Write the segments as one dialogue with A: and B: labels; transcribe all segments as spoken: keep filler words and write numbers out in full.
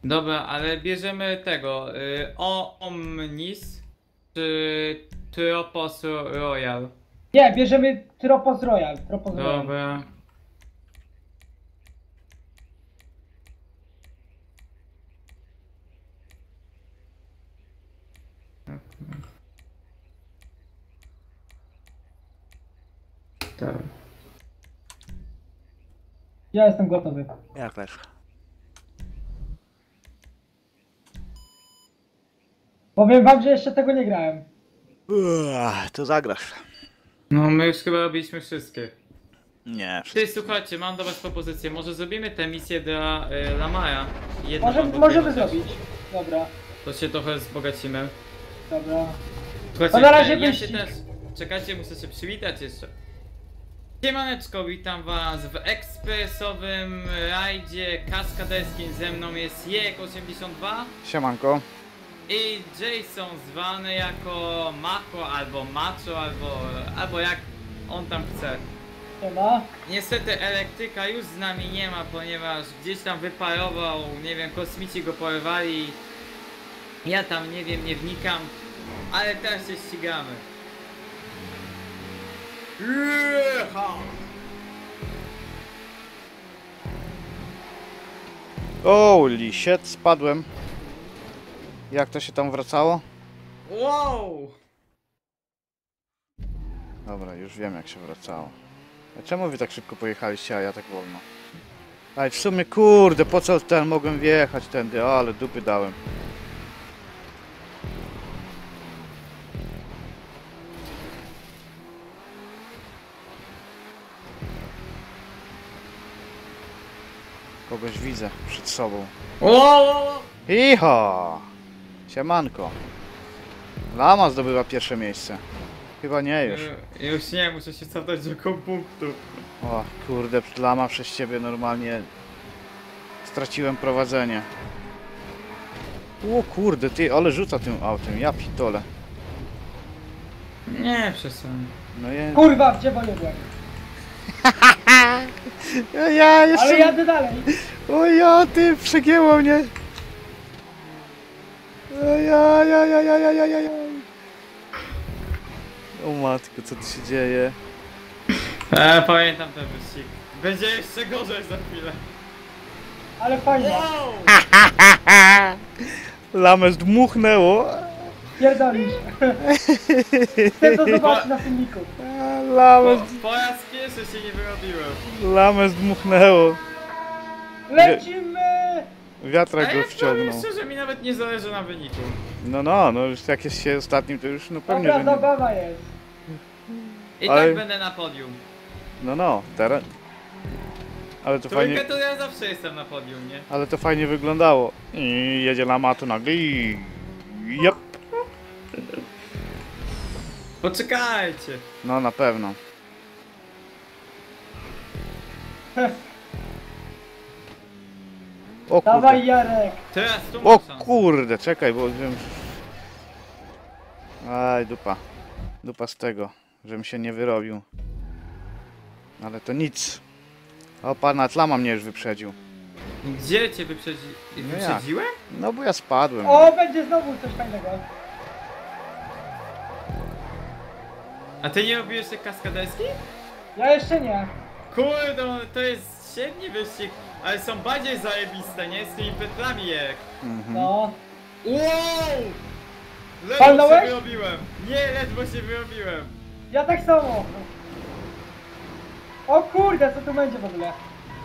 A: Dobra, ale bierzemy tego. Y, o Omnis czy Tropos Royal?
B: Nie, bierzemy Tropos Royal. Tropos Royal.
A: Dobra. Tak.
B: Ja jestem gotowy.
C: Ja też.
B: Powiem wam, że jeszcze tego nie grałem.
C: Uaa, to zagrasz.
A: No my już chyba robiliśmy wszystkie.
C: Nie,
A: Ty,
C: wszystko.
A: słuchajcie, mam do was propozycję. Może zrobimy tę misję dla y, Lamara? Jedną
B: Może,
A: albo
B: możemy
A: dwie chociaż.
B: zrobić. Dobra,
A: To się trochę wzbogacimy.
B: dobra.
A: Słuchajcie,
B: To na razie
A: e, ja się
B: wyścig.
A: też... Czekajcie, muszę się przywitać jeszcze. Siemaneczko, witam was w ekspresowym rajdzie kaskaderskim. Ze mną jest Jek osiemdziesiąt dwa
C: Siemanko.
A: i Jason zwany jako Mako albo Macho, albo, albo jak on tam chce.
B: Siema.
A: Niestety elektryka już z nami nie ma, ponieważ gdzieś tam wyparował, nie wiem, kosmici go porwali. Ja tam nie wiem, nie wnikam, ale teraz się ścigamy. Jecha!
C: Holy shit, spadłem. Jak to się tam wracało?
A: Wow!
C: Dobra, już wiem jak się wracało. A czemu wy tak szybko pojechaliście, a ja tak wolno? Aj, w sumie kurde, po co ten mogłem wjechać tędy, ale dupy dałem. Kogoś widzę przed sobą.
A: Wow!
C: Iho! Siemanko. Lama zdobywa pierwsze miejsce. Chyba nie już.
A: Już. Już nie, muszę się cofnąć do koło punktu.
C: O kurde, Lama przez ciebie normalnie straciłem prowadzenie. O kurde, ty, ale rzuca tym autem, ja pitole.
A: Nie, przestań.
C: No je...
B: Kurwa, gdzie nie byłem.
C: Ja, ja jeszcze...
B: Ale jadę dalej.
C: O ja, ty, przegięło mnie. O ja, ja, ja, ja, ja, ja, ja, ja. O matko, co tu się dzieje?
A: E, pamiętam ten wyścig. Będzie jeszcze gorzej za chwilę.
B: Ale fajnie.
A: Wow!
C: Lamę zdmuchnęło.
B: Pierdolisz. Chcę to zobaczyć na filmiku.
C: Lamę,
A: Po, po raz pierwszy się nie wyrobiłem.
C: lamę zdmuchnęło.
B: Lecimy!
C: Wiatrak
A: A
C: go
A: ja powiem
C: wciągnął.
A: szczerze, mi nawet nie zależy na wyniku.
C: No, no, no już jak jest się ostatnim, to już no pewnie,
B: Dobra,
C: że nie.
B: zabawa jest.
A: I
C: Ale-
A: tak będę na podium.
C: No, no, teraz. Ale to
A: Trójkę
C: fajnie,
A: to ja zawsze jestem na podium, nie?
C: ale to fajnie wyglądało. I jedzie lama tu nagle i... Jep.
A: Poczekajcie.
C: No, na pewno. O
B: Dawaj
C: kurde.
B: Jarek.
A: Teraz tu
C: O
A: mam szansę.
C: kurde, czekaj, bo wiem... Aj, dupa. Dupa z tego, żebym się nie wyrobił. Ale to nic. O, pana Tlama mnie już wyprzedził.
A: Gdzie cię wyprzedzi...
C: No jak?
A: wyprzedziłem?
C: No bo ja spadłem.
B: O, będzie znowu coś fajnego.
A: A ty nie robiłeś te kaskaderski?
B: Ja jeszcze nie.
A: Kurde, no, to jest średni wyścig, ale są bardziej zajebiste, nie? Z tymi petlami jak.
C: Mhm.
B: No.
A: Wow! Ledwo się
B: Palnąłeś?
A: wyrobiłem. Nie, ledwo się wyrobiłem.
B: Ja tak samo. O kurde, co tu będzie w ogóle?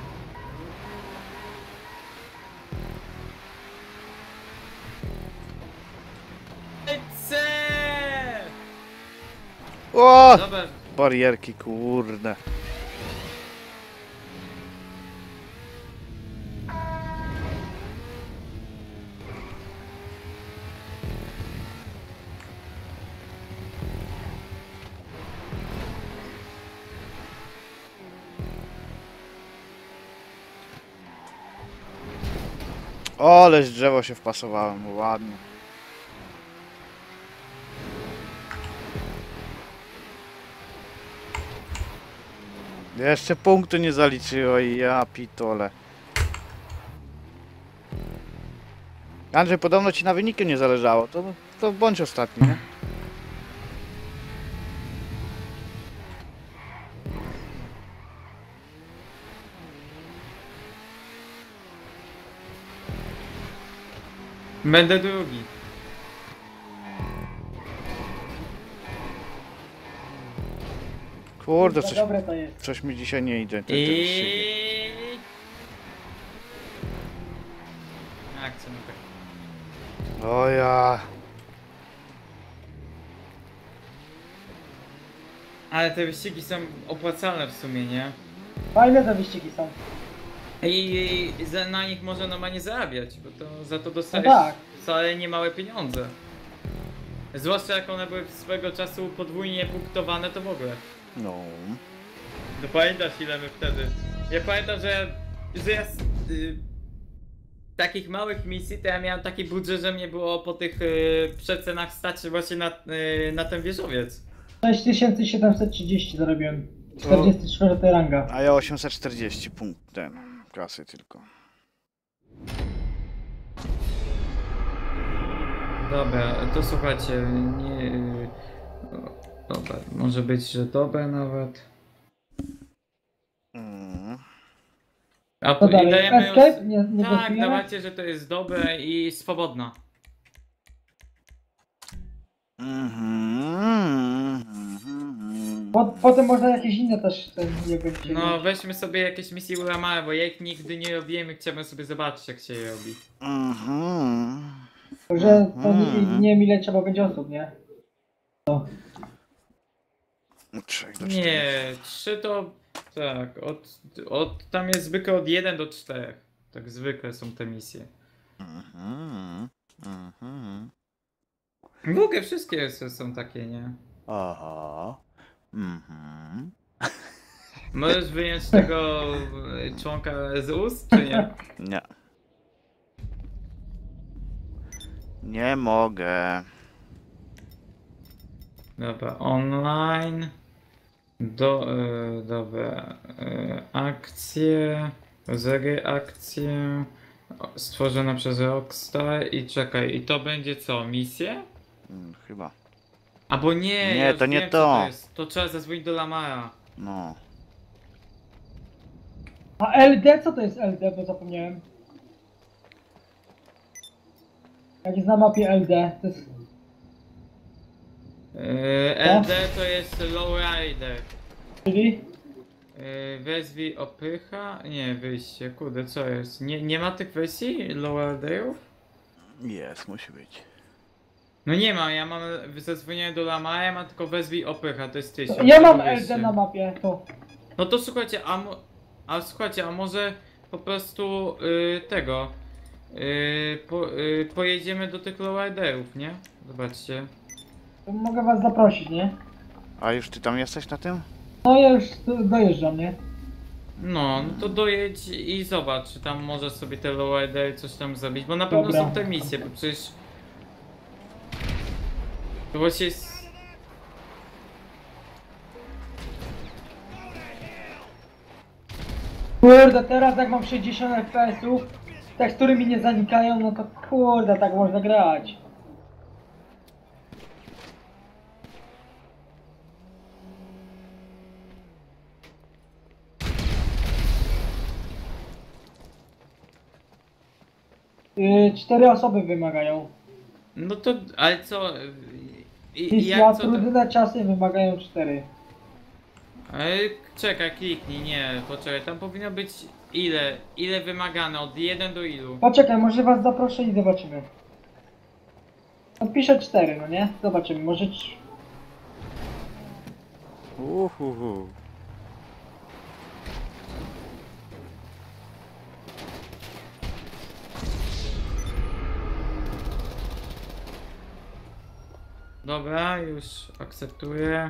A: Lecę!
C: O!
A: Dobra,
C: Barierki, kurde. O, aleś drzewo się wpasowałem, ładnie. Jeszcze punktu nie zaliczyło i ja pitole. Andrzej, podobno ci na wyniku nie zależało, to, to bądź ostatni, nie?
A: Będę drugi.
C: Kurde,
B: Za
C: coś,
B: dobre to jest.
C: coś mi dzisiaj nie idzie. Te, te wyścigi.
A: I... Akcja, no tak.
C: O ja.
A: Ale te wyścigi są opłacalne w sumie, nie?
B: Fajne te wyścigi są.
A: I, i za, na nich można normalnie zarabiać, bo to za to dostajesz
B: No tak.
A: wcale niemałe pieniądze. Zwłaszcza jak one były swego czasu podwójnie punktowane, to w ogóle.
C: No.
A: No pamiętasz ile my wtedy? Ja pamiętam, że, że ja z y, takich małych misji to ja miałem taki budżet, że mnie było po tych y, przecenach stać właśnie na, y, na ten wieżowiec.
B: sześć tysięcy siedemset trzydzieści zarobiłem. czterdzieści cztery ranga.
C: A ja osiemset czterdzieści punkt ten kasy tylko.
A: Dobra, to słuchajcie, nie... y, o, dobra, może być, że dobre nawet.
C: Mm.
A: A
B: To
A: i
B: dalej.
A: dajemy
B: Escape?
A: już...
B: Nie, nie
A: Tak,
B: głosujemy?
A: dawajcie, że to jest dobre i swobodna.
C: Mhm, mhm.
B: Po, potem można jakieś inne też ten nie będzie.
A: No weźmy sobie jakieś misje uramałe, bo ja ich nigdy nie robiłem i chciałbym sobie zobaczyć jak się je robi.
C: Mhm.
B: Że to nie,
C: Mhm.
B: nie wiem ile trzeba będzie osób, nie?
C: Trzech do czterech.
A: Nie, trzy to... tak, od, od... tam jest zwykle od jeden do czterech. Tak zwykle są te misje.
C: Mhm. Mhm.
A: W ogóle wszystkie s- są takie, nie?
C: Aha. Mhm.
A: Możesz wyjąć tego y, członka z ust, czy nie?
C: Nie. Nie mogę.
A: Dobra, online. Do, y, dobra, y, akcje, rozery akcje, o, stworzone przez Rockstar i czekaj, i to będzie co, misje?
C: Mm, Chyba.
A: Albo nie,
C: Nie,
A: ja już
C: to nie
A: wiem,
C: to.
A: Co to, jest. To trzeba zadzwonić do Lamara.
C: No.
B: A L D? Co to jest L D? Bo zapomniałem. Jak jest na mapie L D, to jest...
A: Yy, L D to jest Lowrider.
B: Czyli?
A: Yy, wezwij opycha? Nie, wyjście, kurde, co jest? Nie, nie ma tych wersji Lowriderów?
C: Jest, musi być.
A: No nie ma, ja mam zadzwonienie do Lamara, ja mam tylko wezwij opycha, to jest tysiąc.
B: Ja mam
A: tego
B: L D
A: wyjście.
B: na mapie, to.
A: No to słuchajcie, a, mo- a słuchajcie, a może po prostu yy, tego yy, po, yy, pojedziemy do tych lowriderów, nie? Zobaczcie.
B: to mogę was zaprosić, nie?
C: A już ty tam jesteś na tym?
B: No ja już do- dojeżdżam, nie?
A: No, no to dojedź i zobacz, czy tam możesz sobie te lowridery coś tam zrobić, bo na pewno
B: Dobra.
A: są te misje, bo przecież... To właśnie jest...
B: Kurde, teraz jak mam sześćdziesiąt F P S-ów, tekstury mi nie zanikają, no to kurde, tak można grać. Yy, cztery osoby wymagają.
A: No to, ale co... I, i
B: Misja,
A: jak co to...
B: trudne czasy wymagają cztery.
A: Ale czekaj, kliknij, nie, poczekaj, tam powinno być ile, ile wymagane, od jeden do ilu?
B: Poczekaj, może was zaproszę i zobaczymy. No piszę cztery, no nie? Zobaczymy, może... trz-
C: Uhuhu.
A: Dobra, już akceptuję.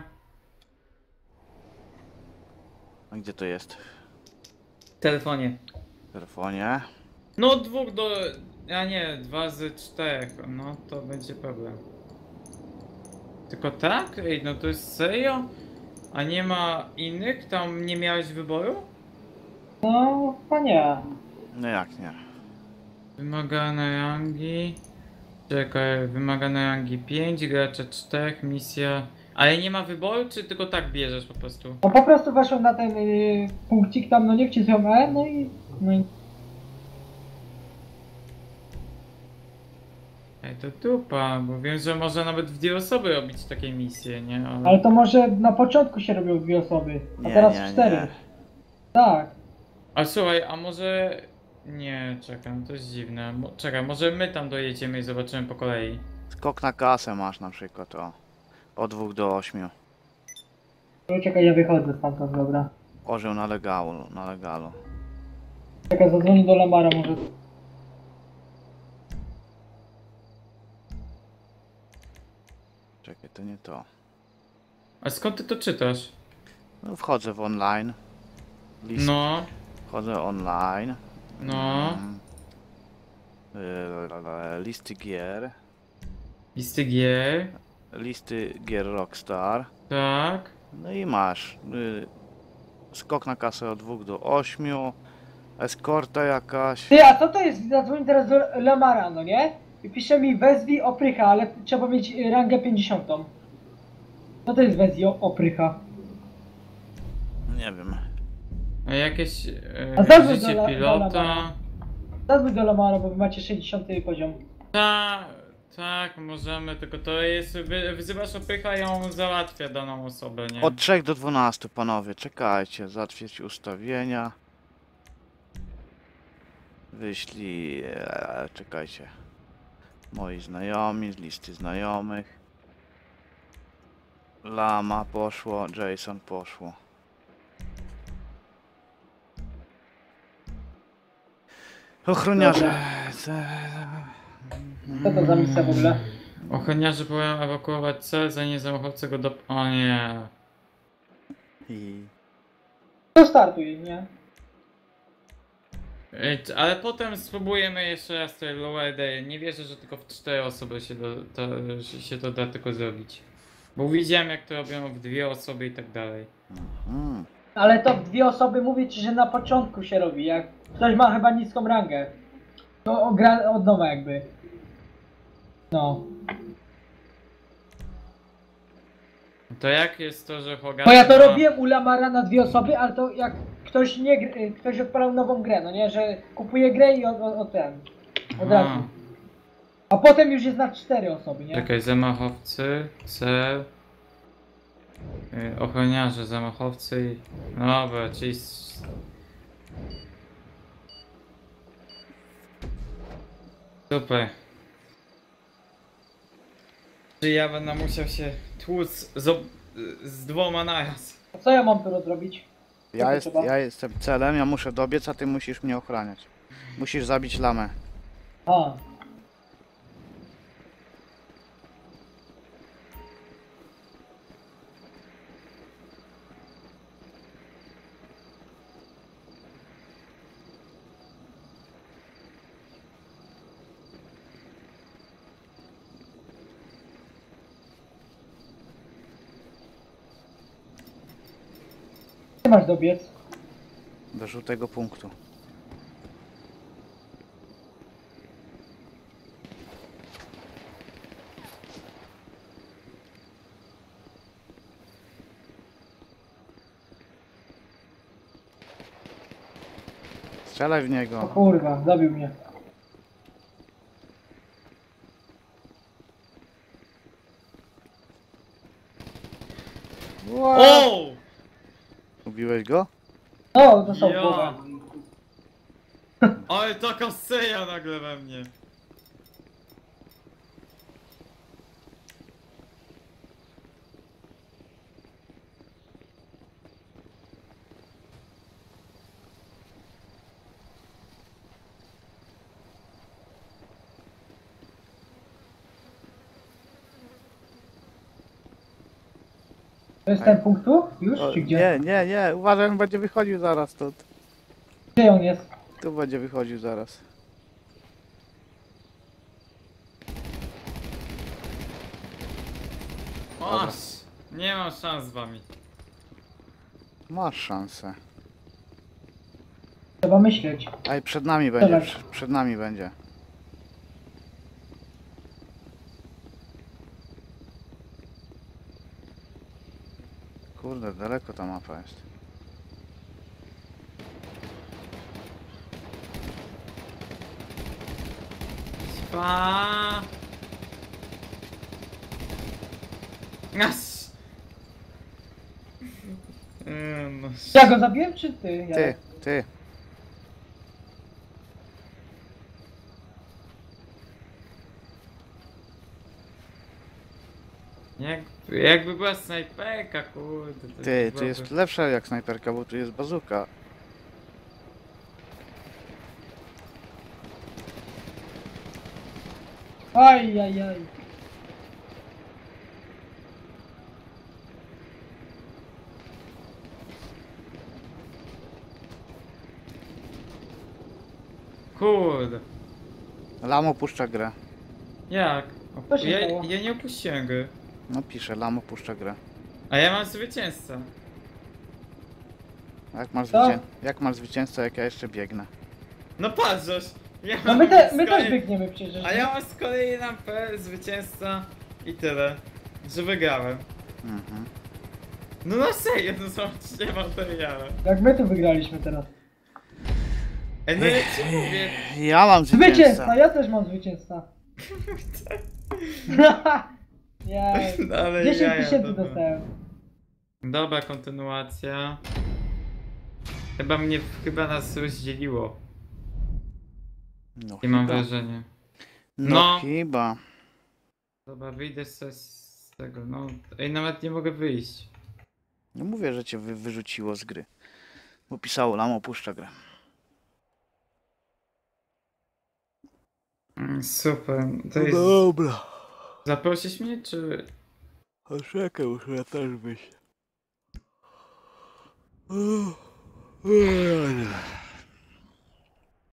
C: A gdzie to jest?
A: W telefonie.
C: W telefonie?
A: No od dwóch do... a nie, dwa z czterech, no to będzie problem. Tylko tak? Ej, no to jest serio? A nie ma innych? Tam nie miałeś wyboru?
B: No, chyba nie.
C: No jak nie?
A: Wymagane rangi. Czekaj, wymagane rangi pięć, gracze cztery, misja. Ale nie ma wyboru, czy tylko tak bierzesz po prostu?
B: No po prostu weszłem na ten y, punkcik tam, no nie wcisnąłem E, no i... No i...
A: Ej, to dupa, bo wiem, że można nawet w dwie osoby robić takie misje, nie? Ale...
B: Ale to może na początku się robią dwie osoby, a
C: Nie,
B: teraz
C: nie,
B: cztery.
C: nie.
B: Tak.
A: A słuchaj, a może... Nie, czekaj, no to jest dziwne. Mo- Czekaj, może my tam dojedziemy i zobaczymy po kolei.
C: Skok na kasę masz na przykład, o. Od dwóch do ośmiu.
B: No czekaj, ja wychodzę stamtąd, dobra.
C: Orzeł na legalu, na legalu.
B: Czekaj, zadzwonię do Lamara może.
C: Czekaj, to nie to.
A: A skąd ty to czytasz?
C: No, wchodzę w online. List,
A: No,
C: Wchodzę online.
A: no.
C: Mm. Y, Listy gier.
A: Listy gier.
C: Listy gier Rockstar.
A: Tak.
C: No i masz. Y, skok na kasę od dwóch do ośmiu. Eskorta jakaś.
B: Ty, a co to jest? Zadzwonię teraz do Lamara, no nie? I pisze mi wezwij oprycha, ale trzeba mieć y, rangę pięćdziesiątą. Co to jest wezwij o- oprycha?
C: Nie wiem.
A: A jakieś
B: A
A: e,
B: zadzwoń
A: życie
B: do La- do
A: pilota.
B: Lamara. Zadzwoń do Lamara, bo wy macie sześćdziesiąty poziom.
A: Tak, tak, możemy, tylko to jest, wy, wzywasz opycha i on załatwia daną osobę, nie?
C: Od trzech do dwunastu, panowie. Czekajcie. Zatwierdź ustawienia. Wyślij. E, czekajcie. Moi znajomi, z listy znajomych. Lama poszło, Jason poszło. Ochroniarze.
B: Co to za misja w ogóle?
A: Ochroniarze próbują ewakuować cel, zanim zamachowcy go do... O nie.
C: I...
B: To startuje, nie?
A: Ej, c- Ale potem spróbujemy jeszcze raz tej Lower Day. Nie wierzę, że tylko w cztery osoby się, do, to, że się to da tylko zrobić. Bo widziałem jak to robią w dwie osoby i tak dalej.
C: Mm.
B: Ale to w dwie osoby mówię ci, że na początku się robi, jak ktoś ma chyba niską rangę. To gra od nowa jakby. No.
A: To jak jest to, że Hogarth
B: Bo ja to
A: ma-
B: robiłem u Lamara na dwie osoby, ale to jak ktoś nie gr- ktoś odpalał nową grę, no nie, że kupuje grę i o, o, o ten. Od
A: Aha.
B: razu. A potem już jest na cztery osoby, nie?
A: Czekaj, zamachowcy, cel, yy, ochroniarze, zamachowcy i... No dobra, czyli... s- Super. Czy ja będę musiał się tłuc z, ob- z dwoma naraz?
B: A co ja mam tu zrobić?
C: Ja,
B: to
C: jest,
B: trzeba?
C: ja jestem celem, ja muszę dobiec, a ty musisz mnie ochraniać. Musisz zabić lamę.
B: A. Gdzie masz dobiec?
C: Do żółtego punktu. Strzelaj w
B: O
C: niego.
B: kurwa, zabił mnie.
A: O!
C: Ubiłeś go?
B: No, dostał w
A: Ja.
B: głowę.
A: Ale taka seja nagle we mnie.
B: To jest ten punkt tu? Już?
C: O,
B: Czy gdzie?
C: nie, nie, nie. Uważaj, on będzie wychodził zaraz stąd.
B: Gdzie on jest?
C: Tu będzie wychodził zaraz.
A: Masz! Nie mam szans z wami.
C: Masz szansę.
B: Trzeba myśleć.
C: Ej, przed nami będzie,
B: Dobra.
C: przed, przed nami będzie. kurde, daleko ta mapa jest.
A: Spa. Nas. Eee, no.
B: Ja go zabiłem, czy ty?
C: Ty, ty.
A: Jak, jakby była snajperka, kurde. To
C: Ty, tu
A: byłaby-
C: jest lepsza jak snajperka, bo tu jest bazuka.
B: Aj, aj, aj.
A: Kurde.
C: Lamo puszcza grę.
A: Jak?
B: Co się
A: Ja,
B: stało?
A: ja nie opuściłem gry.
C: No pisze, Lamo puszcza grę.
A: A ja mam zwycięzcę.
C: Jak masz,
B: Co?
C: zwycię... jak masz zwycięstwo, jak ja jeszcze biegnę?
A: No patrz, żeś, ja
B: No
A: mam
B: my, te,
A: z
B: my
A: kolei-
B: też biegniemy przecież.
A: A
B: nie?
A: ja mam z kolei na P zwycięzca i tyle. Że wygrałem.
C: Mhm.
A: No na serio, no zobaczcie materiale.
B: Jak my tu wygraliśmy teraz.
A: Ej, no ja ci mówię.
C: Ja mam
B: Zwycięzca,
C: zwycięstwo.
B: ja też mam zwycięzca. Jej.
A: No, ale
B: dziesięć
A: jaja,
B: tysięcy
A: dobra.
B: dostałem.
A: Dobra, kontynuacja. Chyba mnie, chyba nas rozdzieliło.
C: No
A: I mam
C: chyba.
A: wrażenie.
C: No,
A: No.
C: chyba.
A: Dobra, wyjdę z, z tego, no. Ej, nawet nie mogę wyjść.
C: No mówię, że cię wy, wyrzuciło z gry. Bo pisało, Lamo puszcza grę.
A: Mm, super, to jest...
C: dobra.
A: Zaprosisz mnie, czy...
C: A czekaj, muszę ja też wyjść.